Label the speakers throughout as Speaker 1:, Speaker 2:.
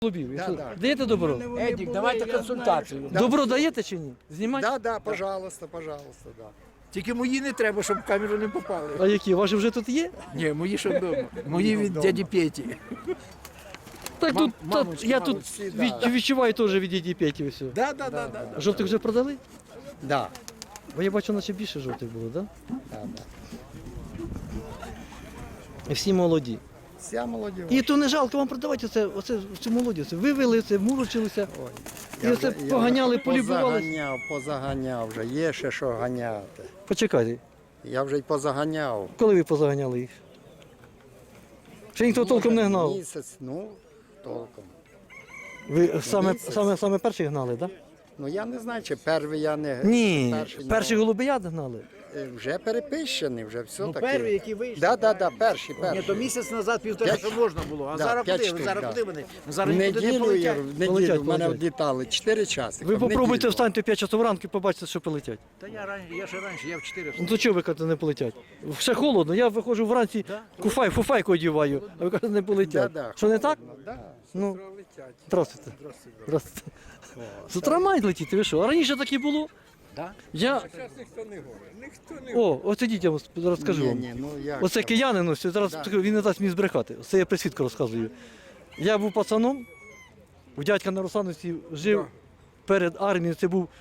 Speaker 1: Голубів.
Speaker 2: Да, да.
Speaker 1: Даєте добро?
Speaker 3: Едік, давайте консультацію.
Speaker 1: Добро даєте чи ні? Знімати?
Speaker 2: Да, да, пожалуйста, да. Тільки мої не треба, щоб в камеру не попали.
Speaker 1: А які? Ваші вже тут є?
Speaker 2: Ні, мої ще вдома. Мої від дяді Петі.
Speaker 1: Так тут,
Speaker 2: мамочки,
Speaker 1: я тут
Speaker 2: молодці, да.
Speaker 1: відчуваю теж від діді Петі все.
Speaker 2: Да.
Speaker 1: Жовтих вже продали?
Speaker 2: Да.
Speaker 1: Бо я бачу, наче більше жовтих було, так?
Speaker 2: Да.
Speaker 1: І всі молоді.
Speaker 2: Вся молодь.
Speaker 1: І то не жалко вам продавати оце цю молоді. Це вивели, це мурочилися. І оце поганяли, полюбували.
Speaker 2: Позаганяв вже. Є ще що ганяти.
Speaker 1: Почекайте,
Speaker 2: Я вже й позаганяв.
Speaker 1: коли ви позаганяли їх? Ще ніхто толком не гнав.
Speaker 2: Місяць, толком.
Speaker 1: Ви
Speaker 2: Місяць.
Speaker 1: саме перші гнали, так?
Speaker 2: Ну я не знаю, чи перший я не...
Speaker 1: Ні,
Speaker 2: перший,
Speaker 1: перші голубият гнали.
Speaker 2: Вже перепищений, вже все таке.
Speaker 3: Перший, який вийшов.
Speaker 2: Да, перший.
Speaker 3: Ні, то місяць назад, півтора, що можна було. А
Speaker 2: Да,
Speaker 3: зараз
Speaker 2: п'ять
Speaker 3: куди?
Speaker 2: штук,
Speaker 3: Зараз
Speaker 2: да.
Speaker 3: куди вони? Зараз нікуди не
Speaker 2: Неділю,
Speaker 3: полетять.
Speaker 2: в мене
Speaker 1: Полетять.
Speaker 2: влітали 4 часи.
Speaker 1: Ви попробуйте встаньте 5 часов ранку і побачите, що полетять.
Speaker 3: Та я ще раніше, я в 4
Speaker 1: Ну то чого ви кажете, не полетять? Ще холодно, я виходжу вранці, фуфайку одіваю, а ви кажете, не полетять.
Speaker 2: Да.
Speaker 1: Що не так?
Speaker 2: Да,
Speaker 1: Ну, здравствуйте. Здравствуйте. З утра мають летіти, ви що? А раніше так і було?
Speaker 3: Да?
Speaker 1: Я... О, оце дітям розкажу вам.
Speaker 2: як
Speaker 1: Оце
Speaker 2: там?
Speaker 1: киянин, ось, зараз він не дасть мені збрехати. Це я присвідку розказую. Я був пацаном, у дядька на Русановці жив перед армією, це був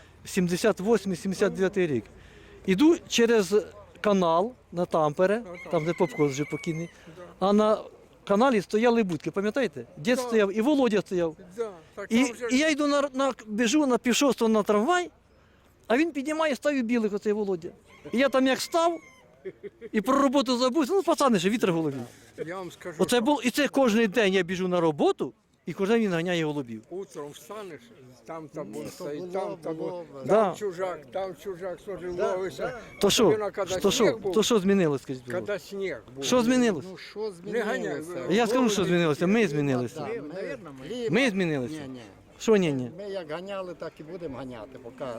Speaker 1: 78-79 рік. Іду через канал на Тампере, там де Попко вже покійний, а на каналі стояли будки, пам'ятаєте? Дід стояв і Володя стояв. І я йду біжу на півшостого на трамвай, а він піднімає, ставить білих оцей Володя. І я там як став, і про роботу забувся, ну пацани ще вітер в голові.
Speaker 4: Я вам скажу,
Speaker 1: Оце було, і це кожен день я біжу на роботу, і кожен день він ганяє голубів.
Speaker 4: утром встанеш, там табун
Speaker 2: то
Speaker 4: стоїть,
Speaker 2: було,
Speaker 4: там табун,
Speaker 2: було.
Speaker 1: Да.
Speaker 4: там чужак, служив, ловився.
Speaker 1: То що?
Speaker 4: Особливо, коли сніг був,
Speaker 1: То що змінилось, скажіть? будь ласка?
Speaker 4: коли сніг був.
Speaker 1: Що змінилось?
Speaker 2: Ну що
Speaker 4: Не ганяй.
Speaker 2: змінилося?
Speaker 1: Я скажу, що змінилося. Ми змінилися. Ми змінилися.
Speaker 2: Ні.
Speaker 1: Що ні?
Speaker 2: Ми як ганяли, так і будемо ганяти,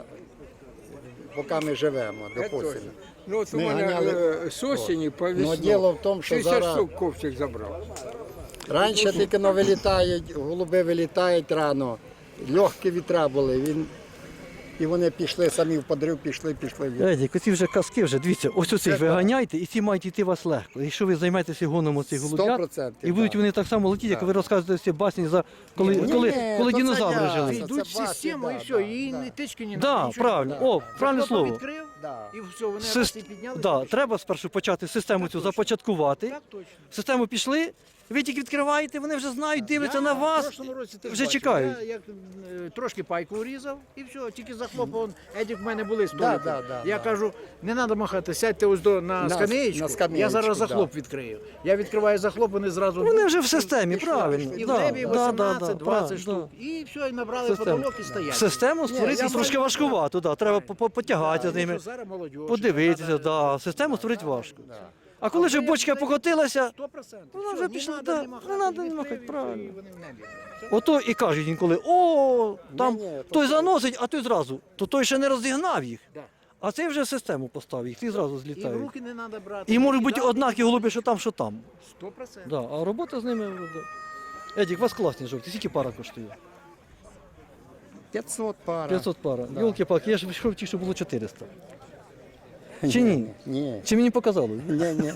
Speaker 2: поки ми живемо,
Speaker 4: Це
Speaker 2: допустимо.
Speaker 4: точно. Ну от у
Speaker 2: Ми
Speaker 4: мене
Speaker 2: ганяли-
Speaker 4: з осені по
Speaker 2: Ну,
Speaker 4: весну
Speaker 2: діло в тому, що
Speaker 4: 60
Speaker 2: зараз...
Speaker 4: штук ковчик забрав.
Speaker 2: Раніше тільки вилітають, голуби вилітають рано, легкі вітра були, і вони пішли самі в подрив, пішли.
Speaker 1: Едік, оці вже казки вже, дивіться, ось оцих ви ганяйте, і ці мають йти вас легко. Якщо ви займаєтеся гоном оцих голубят,
Speaker 2: 100%,
Speaker 1: і будуть
Speaker 2: да.
Speaker 1: вони так само летіти, як
Speaker 2: Да.
Speaker 1: ви розказуєте всі басні, коли
Speaker 2: то це
Speaker 1: динозаври
Speaker 2: я.
Speaker 1: жили.
Speaker 2: Це
Speaker 3: Йдуть в
Speaker 2: бачить,
Speaker 3: систему
Speaker 2: да,
Speaker 3: і все,
Speaker 2: да,
Speaker 3: і
Speaker 2: да.
Speaker 3: ні тички, ні
Speaker 1: Так,
Speaker 3: нічого.
Speaker 1: правильно, о, правильне
Speaker 3: Захлопав,
Speaker 1: слово.
Speaker 3: відкрив,
Speaker 2: Да.
Speaker 3: і все, вони
Speaker 1: Сис-
Speaker 3: раз і підняли.
Speaker 1: Да, треба спершу почати систему цю започаткувати.
Speaker 3: Так точно.
Speaker 1: Систему пішли, ви тільки відкриваєте, вони вже знають, дивляться
Speaker 3: Я
Speaker 1: на
Speaker 3: в
Speaker 1: вас,
Speaker 3: прошлому році теж
Speaker 1: вже
Speaker 3: бачив.
Speaker 1: чекають.
Speaker 3: Я як трошки пайку урізав і все, тільки захлопав. Едік в мене були столики.
Speaker 2: да,
Speaker 3: Я
Speaker 2: да.
Speaker 3: кажу, не треба махати, сядьте ось на скамеєчку,
Speaker 2: на скамеєчку,
Speaker 3: я зараз
Speaker 2: да.
Speaker 3: захлоп відкрию. Я відкриваю захлоп, вони зразу...
Speaker 1: Вони вже в системі, правильно.
Speaker 3: І в
Speaker 1: Да,
Speaker 3: небі
Speaker 1: да, да,
Speaker 3: 18-20
Speaker 1: правильно,
Speaker 3: штук.
Speaker 1: да.
Speaker 3: І все, і набрали
Speaker 1: Систему.
Speaker 3: потолок і стоять.
Speaker 1: Систему створити
Speaker 2: я
Speaker 1: трошки
Speaker 2: бачу,
Speaker 1: важкувато, да. Треба потягати з
Speaker 3: Ну,
Speaker 1: ними,
Speaker 3: що зараз молодь.
Speaker 1: подивитися, да. Систему створити важко. А коли вже бочка покотилася,
Speaker 3: 100%.
Speaker 1: Вона вже
Speaker 3: Все,
Speaker 1: пішла,
Speaker 3: не
Speaker 1: да,
Speaker 3: треба
Speaker 1: не надо
Speaker 3: відкрив,
Speaker 1: махати,
Speaker 3: і все,
Speaker 1: правильно.
Speaker 3: і вони в небі. Все.
Speaker 1: ото і кажуть інколи, о, там
Speaker 2: Ні,
Speaker 1: той заносить, а той зразу. То той ще не розігнав їх.
Speaker 3: Да.
Speaker 1: А цей вже систему поставив, їх ті зразу
Speaker 3: І в
Speaker 1: злітають.
Speaker 3: руки не треба брати.
Speaker 1: І можуть бути
Speaker 3: кидати.
Speaker 1: однакі голуби, що там, що там.
Speaker 3: 100%.
Speaker 1: Да, а робота з ними. Да. Едік, у вас класні жовті, скільки пара коштує?
Speaker 2: 500 пара.
Speaker 1: 500 пара. Йолки-палки, я ж хотів, що було 400. Чи ні?
Speaker 2: Ні.
Speaker 1: Чи мені показало?
Speaker 2: Ні.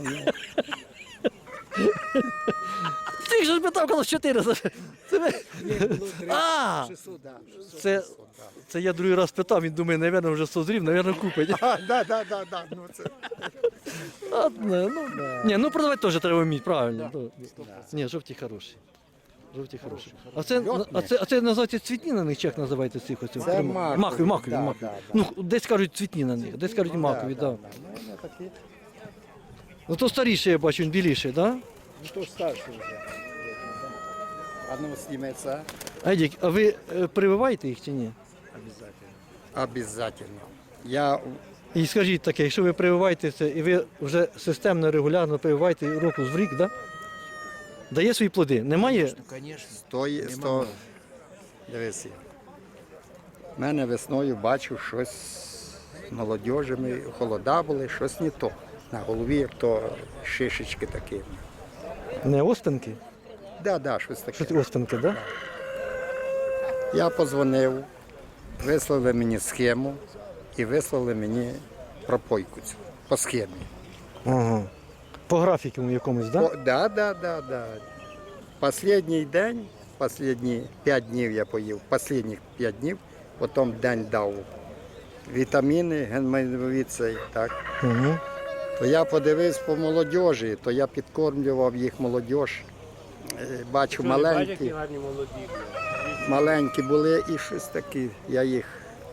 Speaker 1: Ти ж питав, коли 400. Це ви- А,
Speaker 3: 600, да.
Speaker 1: це я другий раз питав, він думає, напевно, вже созрів, напевно, купить.
Speaker 2: Да. Ну, це...
Speaker 1: Ладно, ні, ну продавати теж треба вміти, правильно. Ні, жовті хороші. Жовті хороші. А це називається цвітні на них, чи як називаєте цих оцих?
Speaker 2: Це
Speaker 1: Макові.
Speaker 2: да.
Speaker 1: Ну, десь кажуть цвітні на них, десь кажуть макові, так.
Speaker 2: Ну, такі.
Speaker 1: Ну то старіший, я бачу, він біліший, так?
Speaker 3: Ну то старший вже.
Speaker 2: А ну, сніметься.
Speaker 1: Едік, а ви прививаєте їх чи ні?
Speaker 2: Обязательно. Я
Speaker 1: І скажіть таке, якщо ви прививаєте це, і ви вже системно, регулярно прививаєте року з рік, да? Дає свої плоди? Немає?
Speaker 3: Ну, звісно.
Speaker 2: 100... Дивись. В мене весною бачу щось з молодіжами, холода були, щось не то. На голові, як то шишечки такі.
Speaker 1: Не оспинки?
Speaker 2: Да, щось таке.
Speaker 1: Щось оспинки, так? Да?
Speaker 2: Я подзвонив, вислали мені схему і вислали мені пропойку цю по схемі.
Speaker 1: Ага. По графіку якомусь, так? Да?
Speaker 2: Да. Последній день, останні 5 днів я поїв, останніх 5 днів, потім день дав вітаміни, генмайнові цей, так.
Speaker 1: Угу.
Speaker 2: То я подивився по молодіжі, то я підкормлював їх молодіж. Бачу, маленькі були і щось таке. Я їх,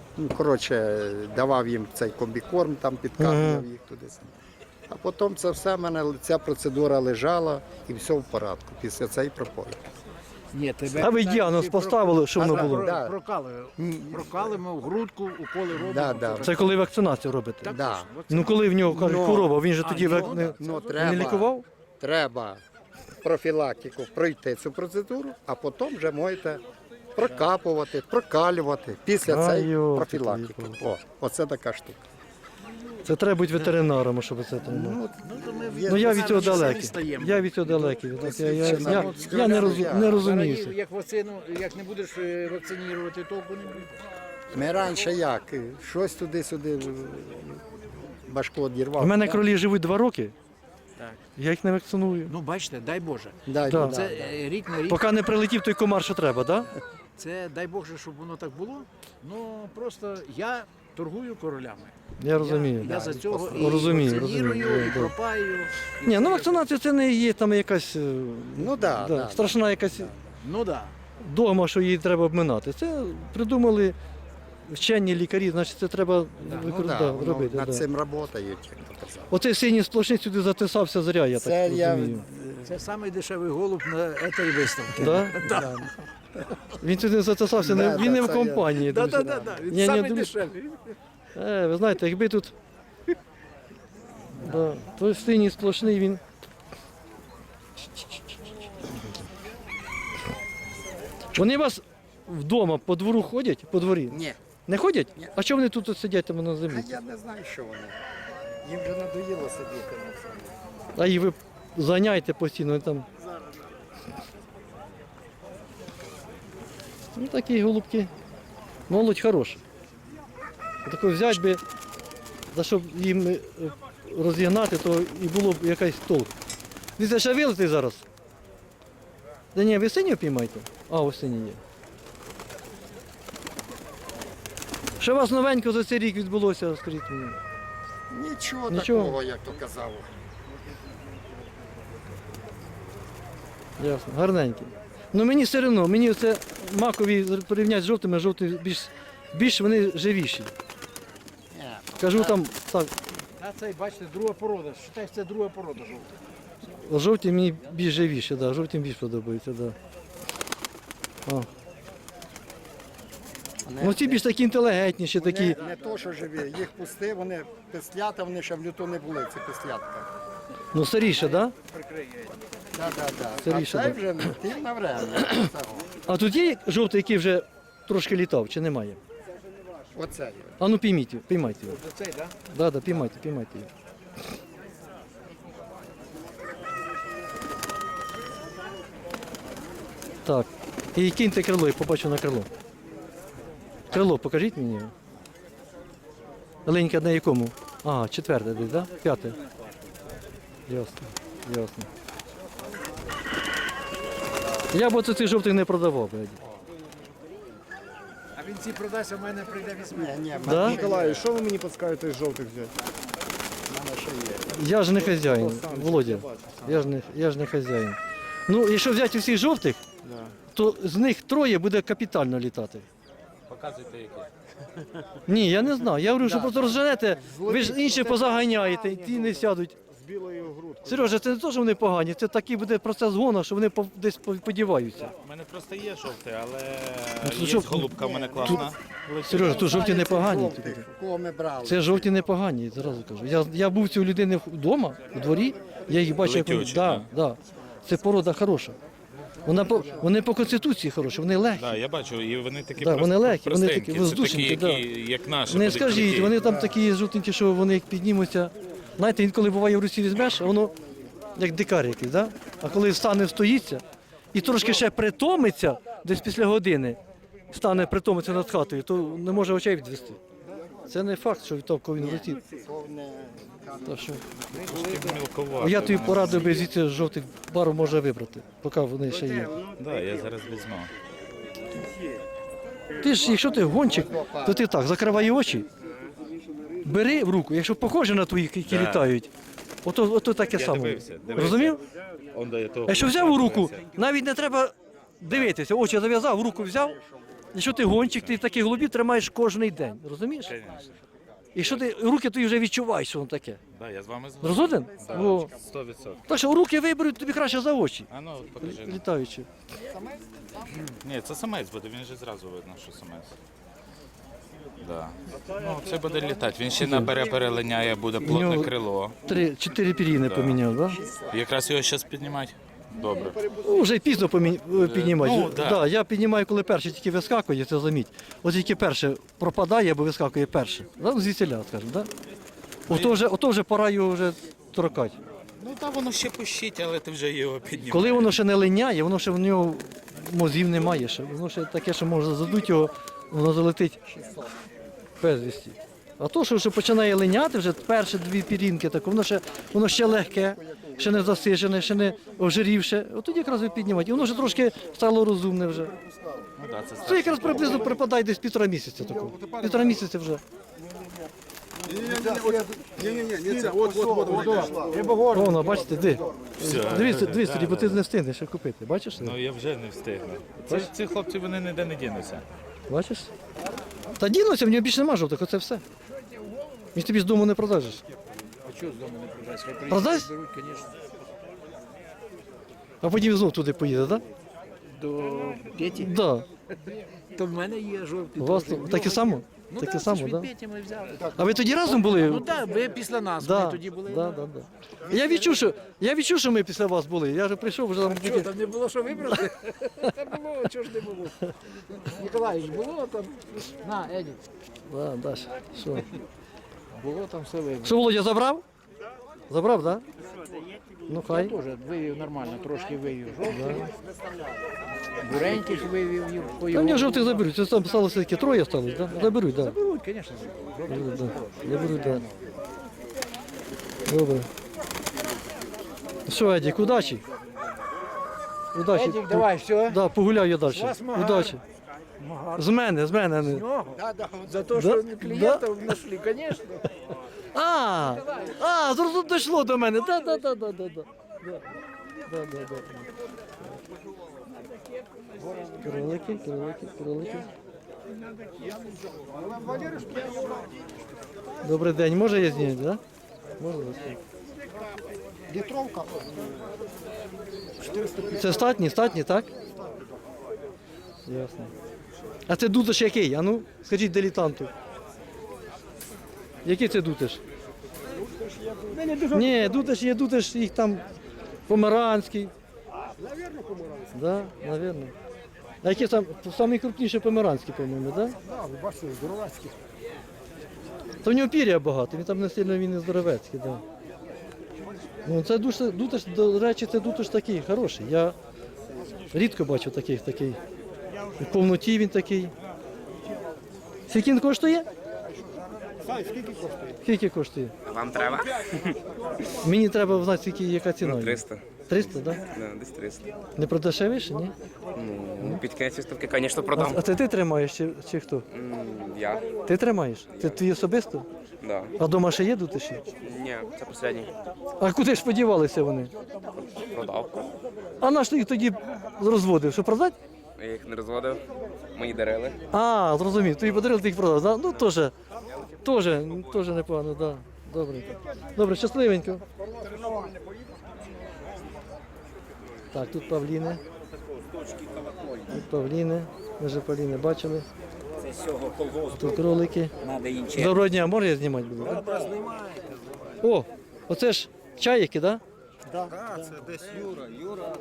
Speaker 2: давав їм цей комбікорм, там підкармлював їх туди. А потім це все, в мене ця процедура лежала і все в порядку після цієї пропойки.
Speaker 3: Ні, тебе
Speaker 1: А ви діагноз поставили, що воно було?
Speaker 2: Да.
Speaker 3: Прокалимо в грудку, уколи робимо.
Speaker 2: Да.
Speaker 1: Це коли вакцинацію робите?
Speaker 3: Так,
Speaker 2: Да.
Speaker 3: точно.
Speaker 1: Ну коли в нього кажуть хвороба, він же тоді не лікував?
Speaker 2: Треба профілактику пройти цю процедуру, а потім вже можете прокапувати, прокалювати після
Speaker 1: А,
Speaker 2: цієї
Speaker 1: йо,
Speaker 2: профілактики. Оце така штука.
Speaker 1: Це треба бути ветеринаром, щоб це там. Ну я від цього далекий. Я від цього далекий. Я не розуміюся.
Speaker 3: Як вакцину, як не будеш вакцинувати, толку не буде.
Speaker 2: Ми раніше як? Щось туди-сюди башку
Speaker 1: У
Speaker 2: одірвав.
Speaker 1: мене кролі живуть 2 роки,
Speaker 3: Так.
Speaker 1: я їх не вакциную.
Speaker 3: Ну бачите, дай Боже.
Speaker 2: Да.
Speaker 3: Це рік на рік.
Speaker 1: Поки не прилетів той комар, що треба, так?
Speaker 3: Це дай Боже, щоб воно так було. Ну просто я торгую королями.
Speaker 1: Я розумію.
Speaker 3: Я за цього
Speaker 1: Розумію,
Speaker 3: і вакцинірую,
Speaker 1: розумію,
Speaker 3: і
Speaker 1: да.
Speaker 3: пропаю. і
Speaker 1: Ні, ну
Speaker 3: все.
Speaker 1: вакцинація це не є там якась
Speaker 2: Ну да.
Speaker 1: страшна якась
Speaker 3: Ну так.
Speaker 1: догма, що її треба обминати. Це придумали вчені лікарі, значить це треба робити.
Speaker 2: Над
Speaker 1: Да.
Speaker 2: цим працюють, як то казав.
Speaker 1: Оцей синій сплошний сюди затисався зря, я
Speaker 2: Це
Speaker 1: так
Speaker 2: я
Speaker 1: розумію.
Speaker 3: Це найдешевий голуб на цій виставці.
Speaker 1: Да? Він сюди затисався,
Speaker 2: Да,
Speaker 1: він не в
Speaker 2: це
Speaker 1: компанії.
Speaker 3: Так,
Speaker 1: друзі.
Speaker 3: так, так.
Speaker 1: Ні,
Speaker 3: Він самий
Speaker 1: друзі.
Speaker 3: дешевий.
Speaker 1: Ви знаєте, якби тут той синій сплошний, він. Вони у вас вдома по двору ходять, по дворі?
Speaker 2: Ні.
Speaker 1: Не ходять?
Speaker 2: Ні.
Speaker 1: А чого вони тут сидять там на
Speaker 2: А
Speaker 1: землі?
Speaker 2: я не знаю, що вони. Їм вже надоїло сидіти на цьому.
Speaker 1: А їх ви заняйте постійно вони там. Ну такі голубки. Молодь хороша. Таку взяти би, за щоб їм розігнати, то і було б якийсь толк. Дивіться, ще вилетить зараз. Да ні, ви синю піймаєте? А, ось сині є. Що у вас новенько за цей рік відбулося, скажіть мені?
Speaker 2: Нічого
Speaker 1: Нічого.
Speaker 2: такого, як то казав.
Speaker 1: Ясно, гарненький. Ну мені все одно, мені це макові порівняти з жовтими, жовті більш вони живіші. Кажу там, так,
Speaker 3: А цей, бачите, друга порода. Считай, це друга порода жовта.
Speaker 1: жовті мені більш живіші, да, жовті більш подобаються, да. О. Ну ці більш такі інтелігентніші, такі.
Speaker 2: Не то, що живі, їх пусти, вони пислята, вони ще в люту не були, ці пислятка.
Speaker 1: Ну старіше, да?
Speaker 2: Да.
Speaker 1: Старіше,
Speaker 2: А це
Speaker 1: да.
Speaker 2: вже тим на время.
Speaker 1: А тут є жовтий, який вже трошки літав, чи немає?
Speaker 2: Оце.
Speaker 1: А ну пійміть його, піймайте його.
Speaker 3: Оцей, так?
Speaker 1: Да, піймайте його. Так. І киньте крило, я побачу на крило. Крило, покажіть мені його. Ленька на якому? Ага, 4 десь, да? 5. Ясно. Я б оце цих жовтих не продавав. Блядь.
Speaker 3: А він ці продасть, а в мене прийде візьме.
Speaker 2: Ні,
Speaker 1: Да?
Speaker 5: Миколай, що ви мені підскажете з жовтих взяти?
Speaker 1: Я ж не хазяїн, Володя. Я ж не хазяїн. Ну, якщо взяти усіх жовтих, то з них 3 буде капітально літати.
Speaker 6: Показуйте які.
Speaker 1: Ні, я не знаю. Я говорю, що просто розженете, ви ж інші позаганяєте, і ті не сядуть.
Speaker 5: З білою грудкою.
Speaker 1: Сережа, це не те, що вони погані, це такий буде процес гону, що вони десь подіваються.
Speaker 6: У мене просто є жовтий, але
Speaker 1: Ну,
Speaker 6: є
Speaker 1: що-
Speaker 6: голубка в мене класна.
Speaker 1: Сережа, тут жовті не погані.
Speaker 2: Жовтих, кого ми брали.
Speaker 1: Це жовті не погані, зразу кажу. Я був у людини вдома, у дворі, я їх бачив, як вони.
Speaker 6: Летючі,
Speaker 1: Да. Це порода хороша. Вони по конституції хороші, вони легкі.
Speaker 6: Так, я бачу, і вони такі
Speaker 1: Да, вони легкі, вони
Speaker 6: простенькі.
Speaker 1: такі
Speaker 6: Це
Speaker 1: воздушненькі,
Speaker 6: такі, як наші.
Speaker 1: Не
Speaker 6: будуть
Speaker 1: скажіть,
Speaker 6: круті.
Speaker 1: вони там такі жовтенькі, що вони як піднімуться. Знаєте, інколи буває в Русі візьмеш, а воно як дикар якийсь, да? А коли встане, стоїться і трошки ще притомиться десь після години, стане притомитися над хатою, то не може очей відвести. Це не факт, що від того він летить. Так що,
Speaker 6: Мілковато.
Speaker 1: я тобі порадив би звідси жовтих пару може вибрати, поки вони ще є.
Speaker 6: Да, я зараз візьму.
Speaker 1: Ти ж, якщо ти гонщик, то ти так, закривай очі, бери в руку, якщо похоже на твоїх, які
Speaker 6: Да.
Speaker 1: літають, ото таке
Speaker 6: Я
Speaker 1: саме.
Speaker 6: дивився.
Speaker 1: Розумів?
Speaker 6: Он до того.
Speaker 1: А якщо взяв у руку, навіть не треба дивитися, очі зав'язав, в руку взяв. Якщо ти гонщик, ти такі голубі тримаєш кожен день, розумієш?
Speaker 6: Конечно.
Speaker 1: І що ти руки, ти вже відчуваєш, що воно таке.
Speaker 6: Да, я з вами згоден.
Speaker 1: Розумієш? О.
Speaker 6: 100%.
Speaker 1: Так що руки виберуть тобі краще за очі,
Speaker 6: А ну, покажи.
Speaker 1: літаючи.
Speaker 6: Ні, це самець буде, він же зразу видно, що самець. Да. Ну, це буде літати. Він ще набере, перелиняє, буде плотне
Speaker 1: нього-
Speaker 6: крило.
Speaker 1: 3-4 пір'їни поміняв, так?
Speaker 6: Якраз його зараз піднімати. Добре.
Speaker 1: Вже пізно піднімати.
Speaker 6: ну, да.
Speaker 1: Я піднімаю, коли перший тільки вискакує, це заміть. От тільки перше пропадає або вискакує перше. Да? Звідсіля, скажімо, так? Ото вже пора його вже торкати.
Speaker 6: Ну так воно ще пущить, але ти вже його піднімаєш.
Speaker 1: Коли воно ще не линяє, воно ще в нього мозгів немає. Ще. Воно ще таке, що може задуть його, воно залетить безвісті. А то, що вже починає линяти, вже перші 2 пірінки, так, воно ще легке, ще не засижене, ще не ожирівше. От тоді якраз ви піднімаєте. І воно вже трошки стало розумне вже.
Speaker 6: Ну, да, це
Speaker 1: Це якраз приблизно припадає десь 1,5 місяця такого. 1,5 місяця вже. Воно, бачите, де? Дивись тоді, бо ти не встигнеш ще купити. Бачиш?
Speaker 6: Ну я вже не встигну. Ці хлопці вони ніде не дінуться.
Speaker 1: Бачиш? Та дінуся, в нього більше нема жовтих, оце все. Він тобі з дому не продажеш.
Speaker 3: А чого з дому не продасть? Хай
Speaker 1: Продасть?
Speaker 3: беруть, звісно.
Speaker 1: А потім знов туди поїде, так?
Speaker 3: До Петі.
Speaker 1: Да?
Speaker 3: То в мене є жовті.
Speaker 1: У вас
Speaker 3: теж.
Speaker 1: таке само?
Speaker 3: Ну
Speaker 1: Таке
Speaker 3: так,
Speaker 1: само,
Speaker 3: це ж
Speaker 1: да?
Speaker 3: від Петі ми взяли.
Speaker 1: А ви тоді разом були?
Speaker 3: Ну так, ви після нас, ми тоді були.
Speaker 1: Да. Я відчув, що ми після вас були. Я вже прийшов, вже там
Speaker 3: Чого, там не було що вибрати? Та було, чого ж не було. Ніколаївич, було там. На, Еді,
Speaker 1: Да, Даша, що?
Speaker 3: було там все вибрано.
Speaker 1: Що, Володя забрав? Забрав, так? Да? Ну хай.
Speaker 3: Теж вивів нормально, трошки вивів жовтий. Буреньких вивів по
Speaker 1: Та
Speaker 3: його.
Speaker 1: мені жовтих заберуть. Це там сталося таке 3 сталося, так? Да? Заберуть, так. Да.
Speaker 3: Беруть, звісно.
Speaker 1: Заберуть, да. Заберуть, да. Добре. Що, Едік, удачі. Удачі.
Speaker 3: Едік, давай, все.
Speaker 1: Да, погуляю я далі.
Speaker 3: вас магар.
Speaker 1: Удачі. З мене.
Speaker 3: Нього? За те, що клієнтів знайшли, звісно.
Speaker 1: Зразу дійшло до мене. Да. Кролики. Добрий день, може я зняти, так? Да? Можна.
Speaker 5: Літровка.
Speaker 1: Це статні, так? Ясно. А це дутиш який? А ну, скажіть дилетанту. Який це дутиш? Ні, дутиш їх там померанський.
Speaker 5: Навірно, помирався.
Speaker 1: Да, навірно. А які там самі крупніші померанські, по-моєму, так? Да?
Speaker 5: Так, ви бачите, здоровацький.
Speaker 1: Та в нього пір'я багато, він там не сильно він і здоровецький, так. Да. Ну, це дутиш, до речі, це дутиш такий хороший. Я рідко бачу такий. В повноті він такий. Скільки він коштує?
Speaker 5: Сай, скільки коштує?
Speaker 1: Скільки коштує?
Speaker 7: Вам треба?
Speaker 1: Мені треба знати, скільки, яка ціна.
Speaker 7: 300.
Speaker 1: 300, так? Да?
Speaker 7: Да, десь 300.
Speaker 1: Не продешевіше, ні?
Speaker 7: Ну, під кінець виставки, звісно, продам.
Speaker 1: А це ти тримаєш чи хто?
Speaker 7: Я?
Speaker 1: Ти тримаєш? Це твій особисто?
Speaker 7: Да.
Speaker 1: А вдома ще є дутиші?
Speaker 7: Ні, це останній.
Speaker 1: А куди ж подівалися вони?
Speaker 7: Продав.
Speaker 1: А наш ти їх тоді розводив, що продати?
Speaker 7: Я їх не розводив. Мені дарили.
Speaker 1: А, зрозумів, тобі подарили, ти їх продав, да? Ну теж непогано, да. Добре. Добре, щасливенько. Так, тут павліни. Тут павліни. Ми вже павліни бачили. Тут кролики. Доброго дня, можна я знімати буду? Так, О, оце ж чайки, так? Да?
Speaker 5: Так, це десь Юра.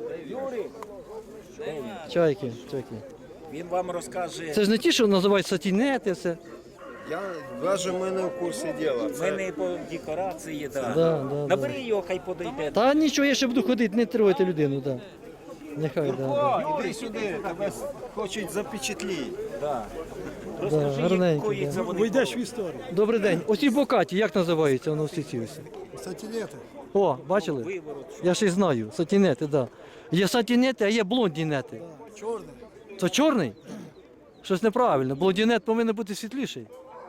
Speaker 1: Чайки.
Speaker 8: Він вам розкаже.
Speaker 1: Це ж не ті, що називають сатінети, все.
Speaker 5: Я навіть ми не в курсі діла.
Speaker 8: Ми не по декорації, да.
Speaker 1: Да.
Speaker 8: Набери його, хай подойде.
Speaker 1: Та нічого, я ще буду ходити, не трогайте людину, так. Нехай, да.
Speaker 5: Іди сюди, тебе хочуть запечатліти.
Speaker 1: Да, гарненькі, да.
Speaker 5: Вийдеш в історію.
Speaker 1: Добрий день. Оці бокаті, як називаються воно всі ці ось?
Speaker 5: Сатінети.
Speaker 1: О, бачили? Я ще й знаю. Сатінети, так. Да. Є сатінети, а є блондінети.
Speaker 5: Чорний.
Speaker 1: Це чорний? Щось неправильно. Блондінет повинен бути світліший.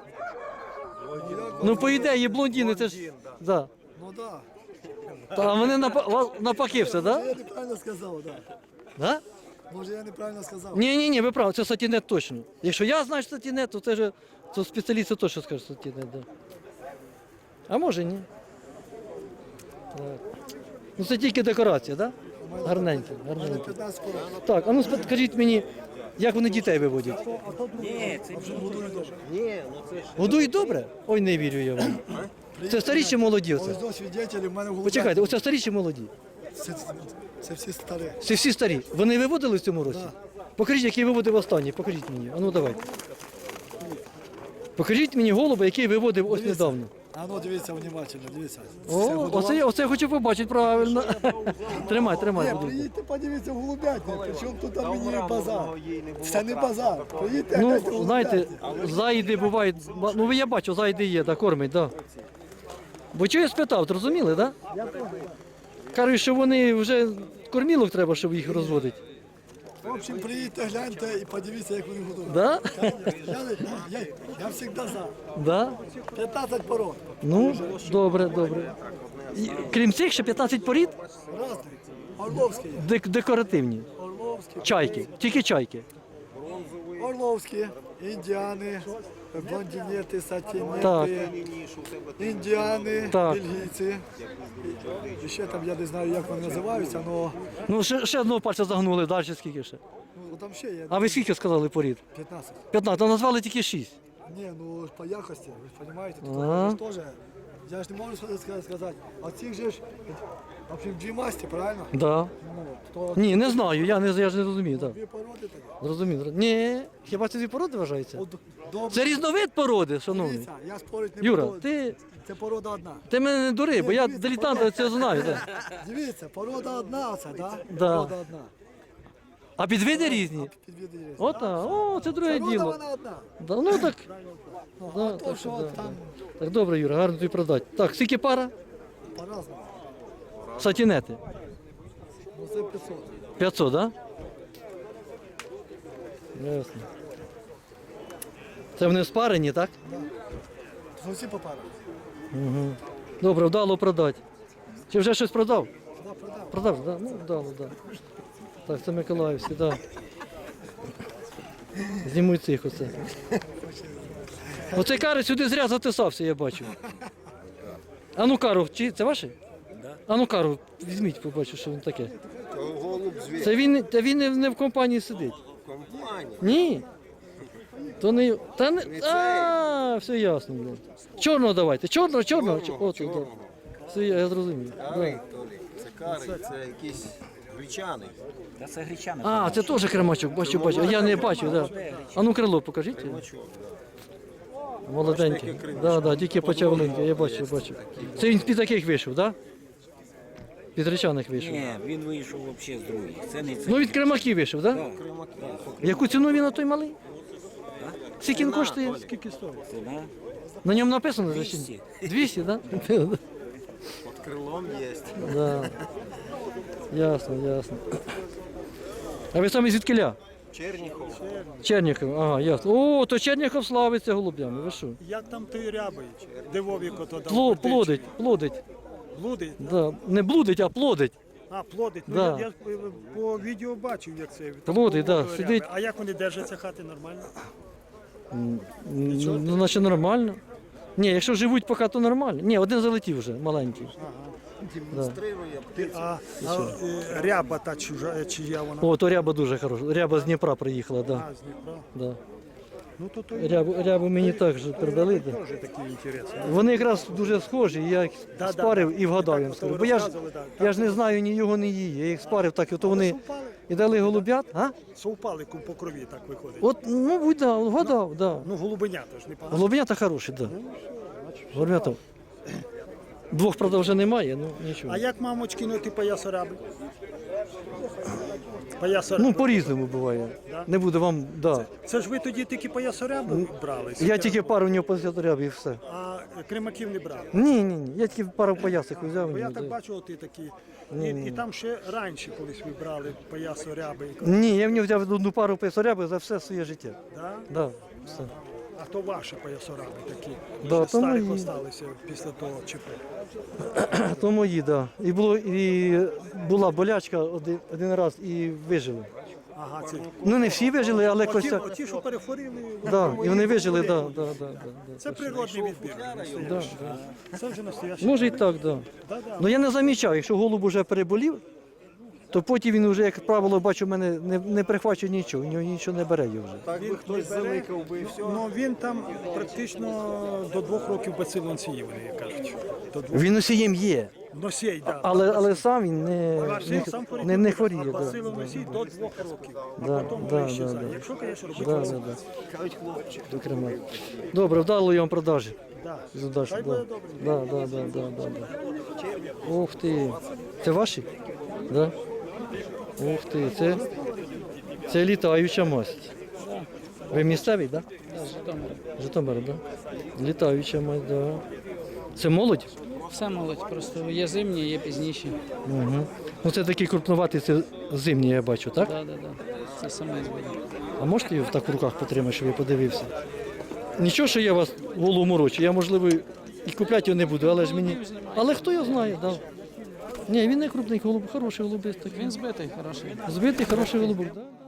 Speaker 1: Ну, по ідеї, блондіни це ж. Да.
Speaker 5: Ну так.
Speaker 1: А вони навпаки все, так? Да?
Speaker 5: Я неправильно сказав, так.
Speaker 1: Да?
Speaker 5: Може я неправильно сказав.
Speaker 1: Ні, ви праві, це сатінет точно. Якщо я знаю, що сатінет, то це ж то спеціалісти точно скажуть сатінет, да. А може ні. Так. Ну це тільки декорація, так? Да? Гарненькі, гарненькі.
Speaker 5: 15 порад.
Speaker 1: Так, а ну скажіть мені, як вони дітей виводять? Годують добре? Ой, не вірю я вам. Це старі чи молоді оце?
Speaker 5: Ось до свідетелів в мене в голубях.
Speaker 1: Почекайте, оце старі чи молоді?
Speaker 5: Це всі старі.
Speaker 1: Це всі старі. Вони виводили в цьому році? Покажіть, який виводив останній, покажіть мені. А ну давайте. Покажіть мені голуба, який виводив ось недавно.
Speaker 5: А ну дивіться внимательно, дивіться.
Speaker 1: О, оце я хочу побачити правильно. Тримай,
Speaker 5: Ні,
Speaker 1: будь ласка.
Speaker 5: приїдьте, подивіться в голубятник, причому тут там мені базар. Це не базар. Приїдьте,
Speaker 1: Ну,
Speaker 5: гляньте в
Speaker 1: знаєте,
Speaker 5: голубятник.
Speaker 1: заїди бувають, ну я бачу, заїди є, да, кормить, да. Бо чого я спитав, зрозуміли, да? Кажуть, що вони вже кормілок треба, щоб їх розводити.
Speaker 5: В общем, приїдьте, гляньте і подивіться, як вони годують.
Speaker 1: Да?
Speaker 5: Я завжди за.
Speaker 1: Да?
Speaker 5: 15 пород.
Speaker 1: Ну, добре. І, крім цих, ще 15 порід
Speaker 5: Разний. Орловські є.
Speaker 1: декоративні.
Speaker 5: Орловські.
Speaker 1: Чайки, тільки чайки.
Speaker 5: Орловські, індіани, блондинети,
Speaker 1: Так.
Speaker 5: сатінети, індіани,
Speaker 1: Так.
Speaker 5: бельгійці. І ще там, я не знаю, як вони називаються, але
Speaker 1: Ну, ще одного пальця загнули, далі скільки ще.
Speaker 5: ну, там ще є
Speaker 1: А ви скільки сказали порід?
Speaker 5: 15.
Speaker 1: 15, а назвали тільки 6.
Speaker 5: Ні, ну по якості, ви ж розумієте, тут
Speaker 1: Ага.
Speaker 5: ж теж. Я ж не можу сказати, а цих же ж, в общем, дві масті, правильно?
Speaker 1: Да.
Speaker 5: Ну, то
Speaker 1: Ні, не знаю, я ж не розумію. Так.
Speaker 5: дві породи такі.
Speaker 1: Зрозумів. Ні, хіба це дві породи вважаються?
Speaker 5: От, добре,
Speaker 1: Це різновид породи, шановний.
Speaker 5: дивіться, я спорити не
Speaker 1: Юра,
Speaker 5: буду.
Speaker 1: ти
Speaker 5: Це порода одна.
Speaker 1: мене не дури, бо я
Speaker 5: дивіться,
Speaker 1: дилетант це знаю. Да.
Speaker 5: Дивіться, порода одна оце, да?
Speaker 1: Да.
Speaker 5: Порода одна.
Speaker 1: А підвиди різні.
Speaker 5: Підвіди є.
Speaker 1: Ота, о, це друге
Speaker 5: Порода
Speaker 1: діло.
Speaker 5: вона одна.
Speaker 1: Да, ну так,
Speaker 5: Ну,
Speaker 1: Да,
Speaker 5: а то,
Speaker 1: так
Speaker 5: що
Speaker 1: що, да,
Speaker 5: там
Speaker 1: так добре, Юра, гарно тобі продати. Так, скільки пара?
Speaker 5: по-разному.
Speaker 1: Сатінети.
Speaker 5: Ну, це 500.
Speaker 1: 500, так? Да? Ясно. Це вони спарені, так?
Speaker 5: Ну, всі по парах.
Speaker 1: Угу. Добре, вдало продати. Чи вже щось продав?
Speaker 5: Да, продав.
Speaker 1: Продав, так? Да? Ну, вдало, так. Да. Так, це Миколаївський, так. Да. Знімуй цих оце. Оцей карий сюди зря затисався, я бачу. А ну кару, чи це ваше? А ну кару, візьміть, побачу, що він таке.
Speaker 5: Голуб звір.
Speaker 1: Це він не в компанії сидить.
Speaker 5: Компанія.
Speaker 1: Ні. То не. Та не. А, все ясно. Блін. Чорного давайте. Чорного. Оце, да. Все, я зрозумів. Да.
Speaker 5: Це кари, це якийсь гречаний.
Speaker 8: Та це гречани.
Speaker 1: А, це теж кремачок, бачу. А я не бачу, да. А ну крило покажіть. Молоденький. Да, тільки почав линьки, я бачу. Це він під таких вийшов, так? Да? Під речаних вийшов.
Speaker 8: Ні, він вийшов взагалі з других. Це не це.
Speaker 1: Ну від кремаків вийшов, так? Да? Яку ціну він на той малий? Скільки він коштує? Скільки стоїть?
Speaker 8: Це, да?
Speaker 1: На ньому написано?
Speaker 8: 200.
Speaker 1: 200, так? Да?
Speaker 5: Під крилом є.
Speaker 1: Да. Ясно. А ви самі звідкиля?
Speaker 5: Черніхов.
Speaker 1: Черніхов, ага, ясно. О, то Черніхов славиться голубями, ви що?
Speaker 9: Як там той рябий? Де Вовік ото там?
Speaker 1: Плодить.
Speaker 9: Блудить?
Speaker 1: Да. Не блудить, а плодить.
Speaker 9: А, плодить.
Speaker 1: Да.
Speaker 9: Ну, я по відео бачив, як це.
Speaker 1: Плодить,
Speaker 9: такого
Speaker 1: да,
Speaker 9: ряби.
Speaker 1: сидить.
Speaker 9: А як вони держаться хати нормально?
Speaker 1: Ну, наче нормально. Ні, якщо живуть поки, то нормально. Ні, один залетів вже, маленький.
Speaker 5: Демонструє.
Speaker 9: А ряба та чия вона?
Speaker 1: О, то ряба дуже хороша. Ряба з Дніпра приїхала, да.
Speaker 9: А, з Дніпра.
Speaker 1: Да.
Speaker 9: Ну, то
Speaker 1: Рябу мені також передали. Да.
Speaker 9: теж такий інтересний.
Speaker 1: Вони якраз дуже схожі, я їх
Speaker 9: Да,
Speaker 1: спарив і вгадав
Speaker 9: так,
Speaker 1: їм
Speaker 9: ото
Speaker 1: скажу.
Speaker 9: ви
Speaker 1: Бо
Speaker 9: розказували, да.
Speaker 1: я ж не знаю ні його, ні її. Я їх спарив так, і то вони
Speaker 9: Совпали?
Speaker 1: і дали голубят. А?
Speaker 9: Совпали по крові, так виходить.
Speaker 1: От, ну, будь да, вгадав, да.
Speaker 9: Ну, голубенята ж не погано.
Speaker 1: Голубенята хороші, да. Голубенята. Двох, правда, вже немає, ну нічого.
Speaker 9: А як мамочки, ну, типа я сораби? Поясорябу.
Speaker 1: Ну, по-різному буває.
Speaker 9: Да?
Speaker 1: Не буду вам, да.
Speaker 9: Це ж ви тоді тільки поясорябу брали?
Speaker 1: Я тільки пару в нього позаторяв і все.
Speaker 9: А кримаків не брали?
Speaker 1: Ні. Я тільки пару поясик взяв.
Speaker 9: Бо я
Speaker 1: і
Speaker 9: так
Speaker 1: да.
Speaker 9: бачу, ти такі. І там ще раніше колись ви брали поясоряби.
Speaker 1: Ні, я в нього взяв одну пару поясоряби за все своє життя.
Speaker 9: Да?
Speaker 1: Да, все.
Speaker 9: А то ваші поясораби такі,
Speaker 1: Да,
Speaker 9: що
Speaker 1: то
Speaker 9: старі
Speaker 1: мої.
Speaker 9: осталися після того ЧП.
Speaker 1: То мої, да. І була болячка один раз і вижили.
Speaker 9: Ага, ці.
Speaker 1: Ну не всі вижили, але
Speaker 9: Оті,
Speaker 1: Костя.
Speaker 9: оті, що перехворіли,
Speaker 1: Да, і вони вижили, да.
Speaker 9: це природний відбір.
Speaker 1: Да.
Speaker 9: Це вже настоящий.
Speaker 1: Може і так, да.
Speaker 9: Да-да.
Speaker 1: Ну я не замічав, якщо голуб вже переболів, то потім він вже, як правило, бачу, в мене не прихвачує нічого, у нього нічого не бере його вже.
Speaker 5: Так би хтось заликав би і все.
Speaker 9: Ну він там практично до 2 років бацил носіїв, вони кажуть. До 2.
Speaker 1: Він носієм є,
Speaker 9: Носій, так.
Speaker 1: але сам він не хворіє.
Speaker 9: А
Speaker 1: Да,
Speaker 9: бацилов носій до 2 років. А
Speaker 1: Да,
Speaker 9: потім
Speaker 1: да,
Speaker 9: вже щезає.
Speaker 1: да.
Speaker 9: Якщо, звісно, робити
Speaker 1: Да,
Speaker 9: це.
Speaker 1: до Крима. Добре, вдалої вам продажі.
Speaker 9: Да.
Speaker 1: З удачі,
Speaker 9: Хай
Speaker 1: да.
Speaker 9: буде добре.
Speaker 1: Да. Ух ти. Це ваші? Да? Ух ти, це літаюча масть. Ви місцевий, так? Да? Житомир, так? Да? Літаюча масть, так. Да. Це молодь?
Speaker 10: Все молодь, просто є зимні, є пізніші.
Speaker 1: Угу. Ну це такий крупноватий, це зимній, я бачу, так?
Speaker 10: Да. Це саме буде.
Speaker 1: А можете його так в руках потримати, щоб я подивився? Нічого, що я вас голову морочу, я, можливо, і купляти його не буду, але ж мені. Але хто його знає, так. Да. Ні, він не крупний голуб, хороший голубець такий.
Speaker 10: Він збитий, хороший.
Speaker 1: Збитий, хороший голубок, так? Да?